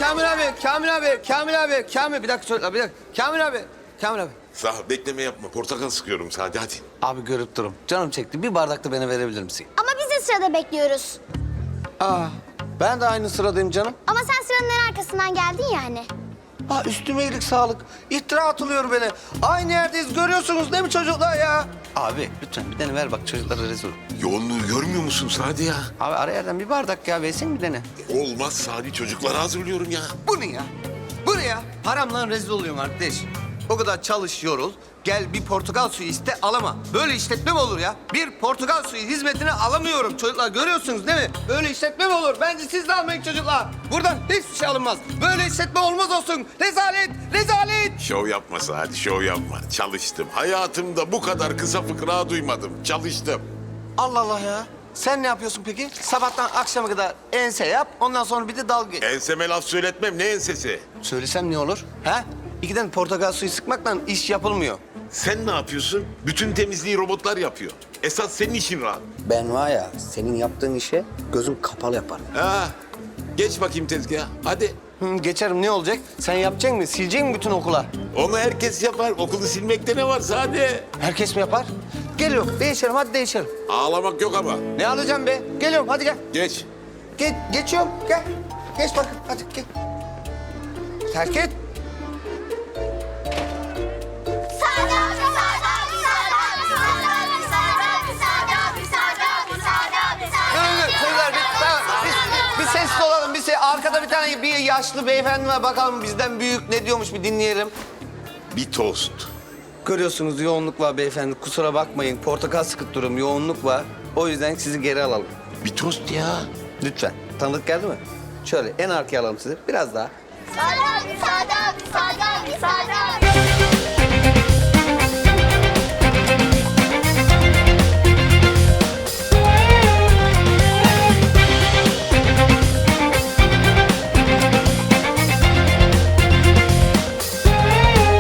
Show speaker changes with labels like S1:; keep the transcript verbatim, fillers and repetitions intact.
S1: Kamil abi, Kamil abi, Kamil abi, Kamil. Bir dakika çocuklar, bir dakika. Kamil abi, Kamil abi.
S2: Sağ ol, bekleme yapma. Portakal sıkıyorum sadece, hadi.
S1: Abi görüp durum. Canım çekti. Bir bardak da bana verebilir misin?
S3: Ama biz de sırada bekliyoruz.
S1: Aa, ben de aynı sıradayım canım.
S3: Ama sen sıranın en arkasından geldin yani.
S1: Aa, üstüme iyilik sağlık. İftira atılıyor beni. Aynı yerdeyiz, görüyorsunuz değil mi çocuklar ya? Abi lütfen bir tane ver bak, çocuklara rezil.
S2: Yoğunluğu görmüyor musun Sadi ya?
S1: Abi ara yerden bir bardak ya, versin bir tane.
S2: Olmaz Sadi, çocuklara hazırlıyorum ya.
S1: Bu ne ya? Bu ne ya? Haramla rezil oluyorum arkadaş. O kadar çalış, yorul. Gel bir portakal suyu iste, alama. Böyle işletme mi olur ya? Bir portakal suyu hizmetini alamıyorum çocuklar. Görüyorsunuz değil mi? Böyle işletme mi olur? Bence siz de almayın çocuklar. Buradan hiçbir şey alınmaz. Böyle işletme olmaz olsun. Rezalet, rezalet.
S2: Şov yapma Sadi, şov yapma. Çalıştım. Hayatımda bu kadar kısa fıkra duymadım. Çalıştım.
S1: Allah Allah ya. Sen ne yapıyorsun peki? Sabahtan akşama kadar ense yap, ondan sonra bir de dalga geç.
S2: Enseme laf söyletmem, ne ensesi?
S1: Söylesem ne olur? Ha? İkiden portakal suyu sıkmakla iş yapılmıyor.
S2: Sen ne yapıyorsun? Bütün temizliği robotlar yapıyor. Esas senin işin rahat.
S1: Ben var ya, senin yaptığın işe gözüm kapalı yaparım.
S2: Ha, geç bakayım tezgaha, hadi.
S1: Hı, geçerim, ne olacak? Sen yapacak mısın? Silecek misin bütün okula?
S2: Onu herkes yapar. Okulu silmekte ne var Sadi?
S1: Herkes mi yapar? Geliyorum, değişelim, hadi değişelim.
S2: Ağlamak yok ama.
S1: Ne alacağım be? Geliyorum, hadi gel.
S2: Geç.
S1: Ge geçiyorum, gel. Geç bakın, hadi gel. Terk et.
S3: Sade abi, sade abi, sade abi, sade abi, sade abi, sade abi, sade abi, sade abi, sade abi.
S1: Dur, dur, çocuklar, bir, tamam, bir, bir sessiz olalım. Bir se arkada bir tane bir yaşlı beyefendi var. Bakalım bizden büyük ne diyormuş, bir dinleyelim.
S2: Bir tost.
S1: Görüyorsunuz yoğunluk var beyefendi. Kusura bakmayın, portakal sıkıp durum, yoğunluk var. O yüzden sizi geri alalım.
S2: Bir tost ya.
S1: Lütfen. Tanıdık geldi mi? Şöyle en arkaya alalım sizi. Biraz daha.
S3: Sade abi, sade abi, sade